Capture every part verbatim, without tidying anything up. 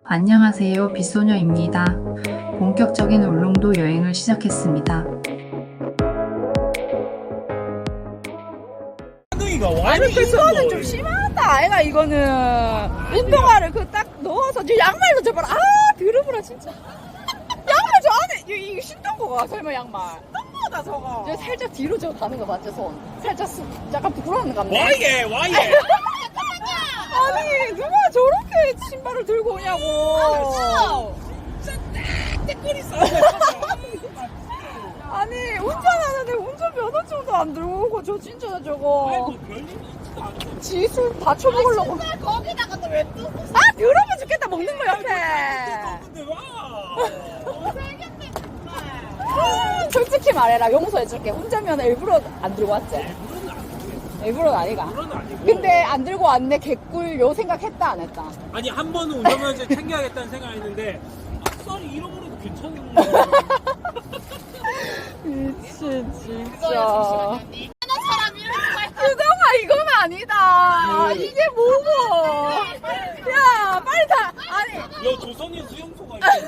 안녕하세요, 빗소녀입니다. 본격적인 울릉도 여행을 시작했습니다. 아니 이거는 좀 심하다 아이가. 이거는 운동화를 그 딱 넣어서 저 양말도 저봐라. 아 더러워라 진짜. 양말 저 안에 이- 이거 신던 거가 설마 양말 너무하다 저거. 저 살짝 뒤로 저 가는 거 맞죠? 손 살짝 스, 약간 부끄러운 거 같네. 와예 와예 아니 누가 저렇게 신발을 들고 오냐고. 댓글이 써. 아니 운전하는데 운전면허증도 안 들고 오고 저 진짜 저거 아이고 별일이 있지도 않고. 지수 다쳐먹으려고. 거기다가 또 왜 또? 아 더러워 죽겠다 먹는 거 옆에. 근데 와. 못살겠네 정말. 아, 솔직히 말해라 용서해줄게. 운전면허 일부러 안 들고 왔지? 일부러는 아니가. 그건 아니고. 근데 안 들고 왔네 개꿀 요 생각했다 안 했다? 아니 한 번은 운전면허 챙겨야겠다는 생각했는데 악살이 잃어버려도 괜찮은 거야. 미친 진짜. 하나 사람 이렇게 유정아 이건 아니다. 이게 뭐고? 야 빨리 다. 아니 야 조선인 수용소가 있어.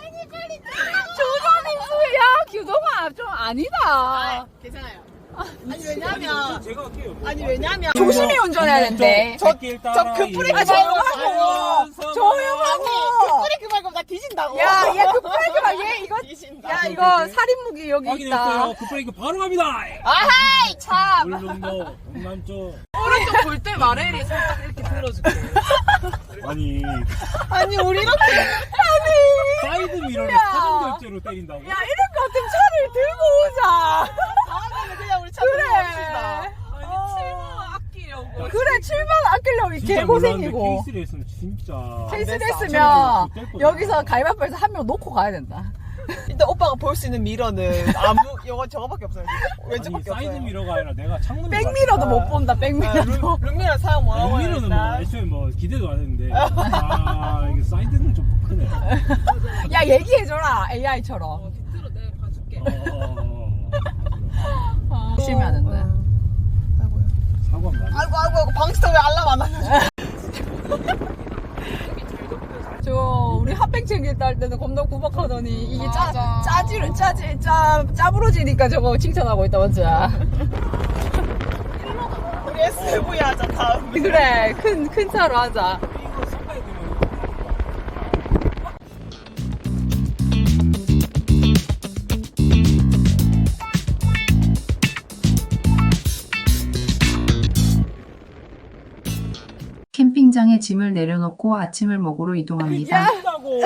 조선인수야 규정아 좀 아니다. 괜찮아요. 아니 왜냐면 제가 할게요. 아니 왜냐면 조심히 운전해야 된대. 저, 저 급브레이크 아, 조용하고 조용하고. 뿌리 그 말고 나 뒤진다고. 야, 얘 급브레이크 봐. 얘 이거 뒤진다. 야 이거 살인 무기 여기 있다. 확인했어요. 급브레이크 바로 갑니다. 아하이 참. 울릉도 동남쪽. 오른쪽 볼 때 말해리 살짝 이렇게 들어줄게. 아니 아니 우리 이렇게 사이드 미러를 야. 사전 결제로 때린다고? 야 이럴 것 같으면 차를 들고 오자. 다음에는 그냥 우리 차 그래. 들어갑시다. 아끼려고. 그래 칠만 아끼려고 이 진짜 개고생이고. 몰랐는데 케이스를 했으면 진짜 케이스 됐어. 됐으면 될 뻔했어. 여기서 가위바위보에서 한 명 놓고 가야 된다. 일단 오빠가 볼 수 있는 미러는 아무 이거 저거밖에 없어요. 아니 왼쪽밖에 사이드 없어요. 미러가 아니라 내가 창문을 백미러도 못 본다. 아, 백미러도. 룸- 룸미러 사용 뭐라고 해야 백미러는 뭐 되나? 애초에 뭐 기대도 안 했는데 아 이게 사이드는 좀 크네. 야 얘기해줘라 에이아이처럼. 어, 조심히 하는데. 아이고요. 사과 많이. 아이고 아이고 아이고 방스터 왜 알람 안 알려줘? 저 우리 핫팩 챙길 때 할 때는 겁나 구박하더니 이게 짜 맞아. 짜지를 짜지 짜 짜부러지니까 저거 칭찬하고 있다 맞지? 우리 에스브이 하자 다음. 그래 큰 큰 차로 하자. 캠핑장에 짐을 내려놓고 아침을 먹으러 이동합니다. 한다고.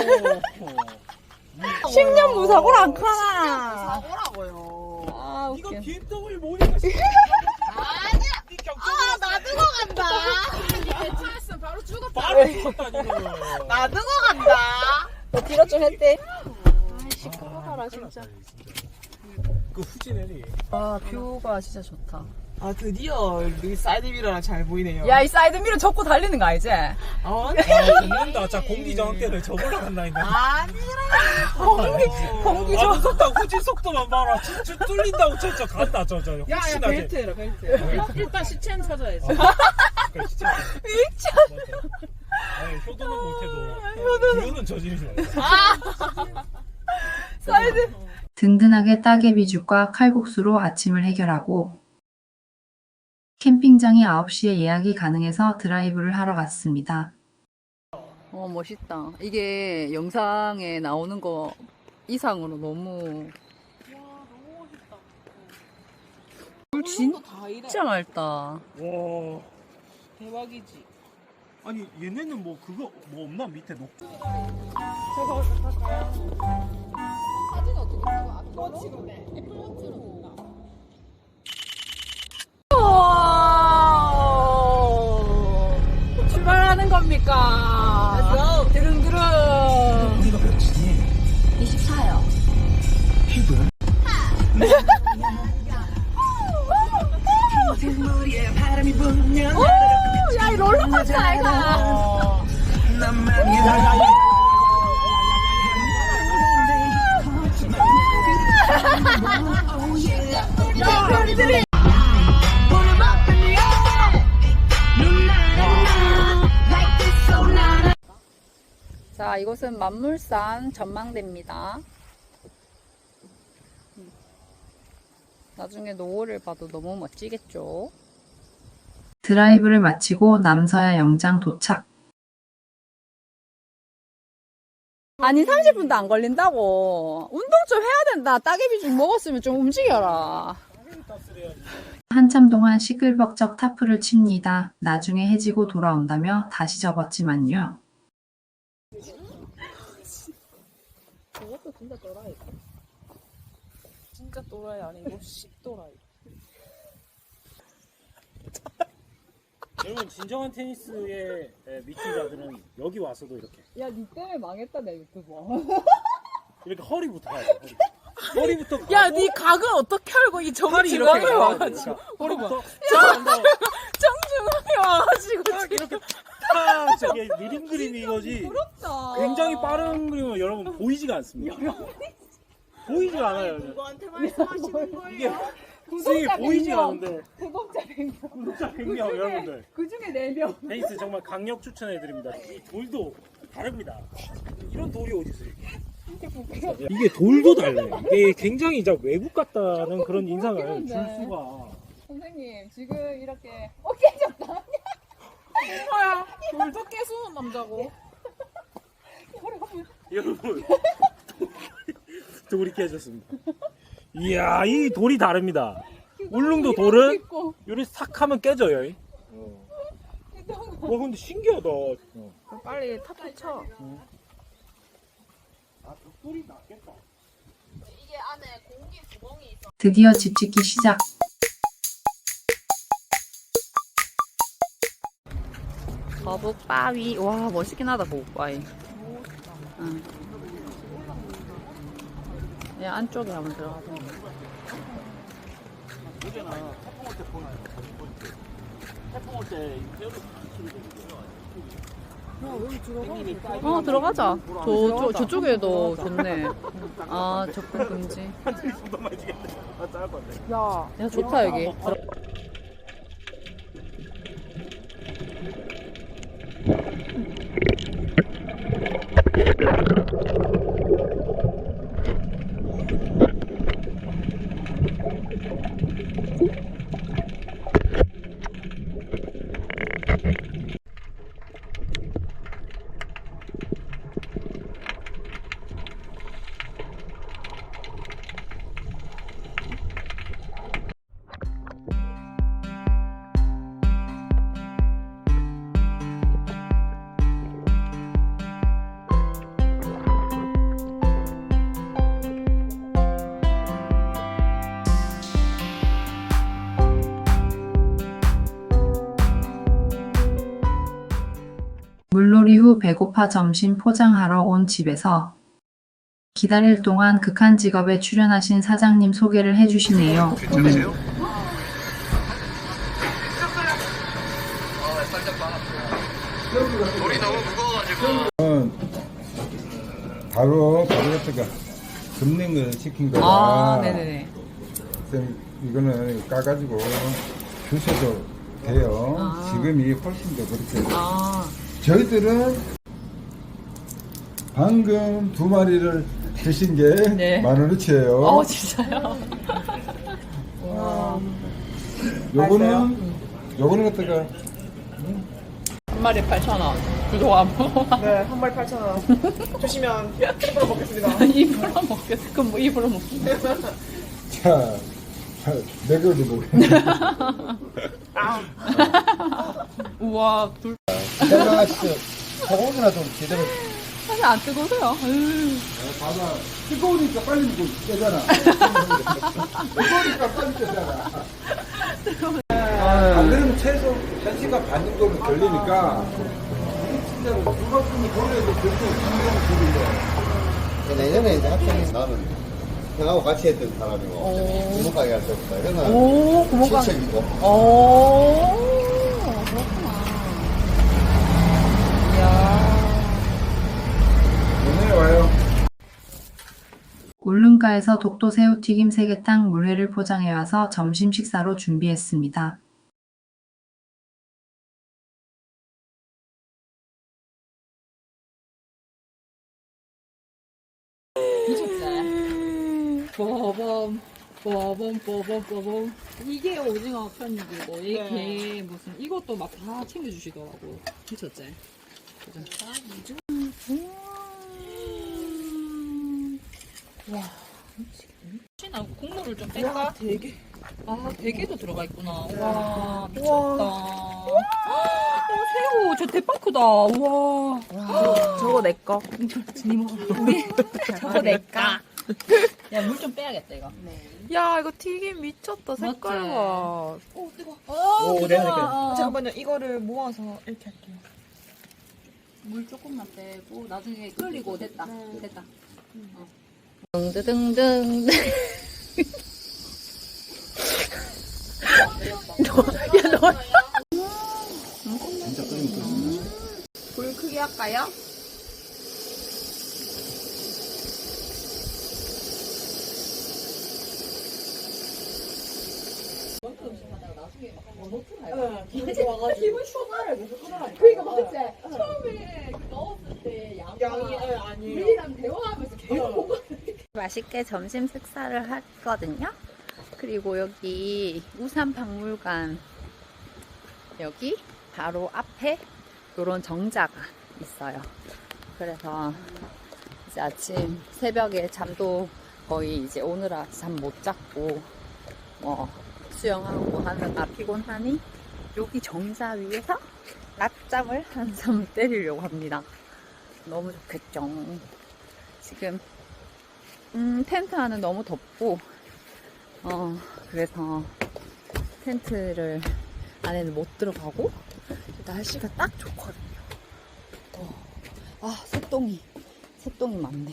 십 년 무사고를 안 카나. 사고라고요. 아 이거 웃겨. 비엠더블유 모니까 아니야. 이 아 놔두고 간다. 차였으면 바로 죽었다. 바로 죽었다 이거. 놔두고 간다. 너 뒤로 좀 했대. 시끄러워라 진짜. 그 후진해리. 아 뷰가 진짜 좋다. 아 드디어 이 사이드 미러랑 잘 보이네요. 야 이 사이드 미러 접고 달리는 거 알지? 아니. 아 죽는다. 자 공기 저항대를 저걸로 간다 했네. 공기 공기 아 좀. 무섭다. 후진 속도만 봐라. 진짜 뚫린다고 저저 간다 저저. 혹시나 벨트. 해라 벨트. 일단 시체는 찾아야지. 미쳐. 아니 효도는 못해도 효도는 저지르지 말자. 사이드. 든든하게 따개비죽과 칼국수로 아침을 해결하고 캠핑장이 아홉 시에 예약이 가능해서 드라이브를 하러 갔습니다. 어 멋있다. 이게 영상에 나오는 거 이상으로 너무. 물 진짜 맑다. 와. 대박이지. 아니 얘네는 뭐 그거 뭐 없나 밑에 녹. 출발하는 겁니까? 드릉드릉. 우리가 그렇지. 이십사요. 야, 이 롤러코스터 아이가. 이곳은 만물산 전망대입니다. 나중에 노을을 봐도 너무 멋지겠죠? 드라이브를 마치고 남서야 영장 도착. 아니 삼십 분도 안 걸린다고. 운동 좀 해야 된다. 따개비 좀 먹었으면 좀 움직여라. 한참 동안 시끌벅적 타프를 칩니다. 나중에 해지고 돌아온다며 다시 접었지만요. 저것도 진짜 또라이. 진짜 또라이 아니고 씹또라이. 여러분 진정한 테니스에 미친 자들은 여기 와서도 이렇게 야, 니 때문에 망했다, 내 유튜브. 이렇게 허리부터 가야 돼. 허리. 허리부터 가고 야, 네 각을 어떻게 알고 이 팔이 정중앙에 이렇게 가야 돼. 와가지고. 그러니까 허리부터 정중앙에 와가지고 딱 이렇게 탁 저게 느린 그림이 이거지. 부럽다. 굉장히 빠른 그림은 여러분 보이지가 않습니다. 보이지가 않아요. 누구한테 말씀하시는 이게 거예요? 스윙이 보이지가 않는데 구독자 백 명. 구독자 백 명 여러분들 그 중에 네 명. 테니스 정말 강력 추천해드립니다. 이 돌도 다릅니다. 이런 돌이 어디 있어요? 이게 돌도 달라요. 이게 굉장히 이제 외국 같다는 그런 인상을 그렇긴 줄 한데. 수가. 선생님, 지금 이렇게, 어, 깨졌다. 뭐야? 돌도 깨수는 남자고. 여러분 돌이 깨졌습니다. 이야 이 돌이 다릅니다. 울릉도 돌은 요리 싹 하면 깨져요. 어. 와 근데 신기하다. 어. 빨리 탑 쳐. 아 돌이 낫겠다. 이게 안에 공기 구멍이 있어. 드디어 집 짓기 시작. 거북바위. 와, 멋있긴 하다, 거북바위. 응. 야, 안쪽에 한번 들어가서. 어제나 태풍 올때 보니까 태풍 올때 어, 들어가자. 저, 저, 저쪽에도 좋네. 아, 접근 금지. 야, 야, 좋다, 여기. 물놀이 후 배고파 점심 포장하러 온 집에서 기다릴 동안 극한 직업에 출연하신 사장님 소개를 해주시네요. 괜찮으세요? 돌이 너무 무거워가지고 바로 바로 갖다가 급냉을 시킨 거라. 아, 네네네. 쌤, 이거는 까가지고 주셔도 돼요. 아. 지금이 훨씬 더 그렇게. 아, 저희들은 방금 두 마리를 드신 게 네. 만 원어치예요. 어, 진짜요? 요거는 요거는 갖다가 한 마리 팔천 원. 구독 안 먹어. 네, 한 마리 팔천 원. 주시면 입으로 먹겠습니다. 입으로 먹겠어. 그럼 뭐 입으로 먹기. 자, 자 내가 어디 보게. 우와, 둘. 내가 진짜 소고기나 좀 제대로. 사실 안 뜨거워요. 봐봐. 뜨거우니까 빨리 먹고 깨잖아. 뜨거우니까 빨리 깨잖아. 안 그러면 최소 한 시간 반 정도는 걸리니까 진짜로 누가 보면 돌려도 그렇게 힘들어. 내년에 이제 학생이 나는 형하고 같이 했던 사람이고 구멍가게 할 때부터 형은 오, 고모가. 친척이고 오, 그렇구나. 이야. 오늘 와요. 울릉가에서 독도새우튀김 세계탕 물회를 포장해와서 점심 식사로 준비했습니다. 뽀범 뽀범 뽀범 뽀범. 이게 오징어 편육이고 이게 네. 무슨 이것도 막 다 챙겨주시더라고. 미쳤지? 그죠? 와, 미치겠네. 나 국물을 좀 뺄까? 되게. 아, 대게도 들어가 있구나. 와, 미쳤다. 어, 새우, 저 대빵 크다. 우와. 저거 내 거. 우리, 저거 내까. 야, 물 좀 빼야겠다, 이거. 야, 이거 튀김 미쳤다. 색깔 맞지? 봐. 오, 뜨거. 오, 내가 할게. 잠깐만요. 이거를 모아서 이렇게 할게요. 물 조금만 빼고, 나중에 끓이고, 됐다. 됐다. 어. 등등등. 불 크게 할까요? 맛있게 점심 식사를 했거든요. 그리고 여기 우산박물관 여기 바로 앞에 이런 정자가 있어요. 그래서 이제 아침 새벽에 잠도 거의 이제 오늘아 잠 못 잤고 뭐 수영하고 하느라 피곤하니 여기 정자 위에서 낮잠을 한숨 때리려고 합니다. 너무 좋겠죠. 지금 음, 텐트 안은 너무 덥고, 어, 그래서 텐트를 안에는 못 들어가고, 날씨가 딱 좋거든요. 어, 아, 새똥이, 새똥이 많네.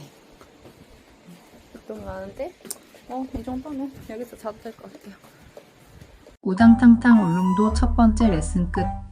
새똥이 많은데, 어, 이 정도면 여기서 자도 될 것 같아요. 우당탕탕 울릉도 첫 번째 레슨 끝.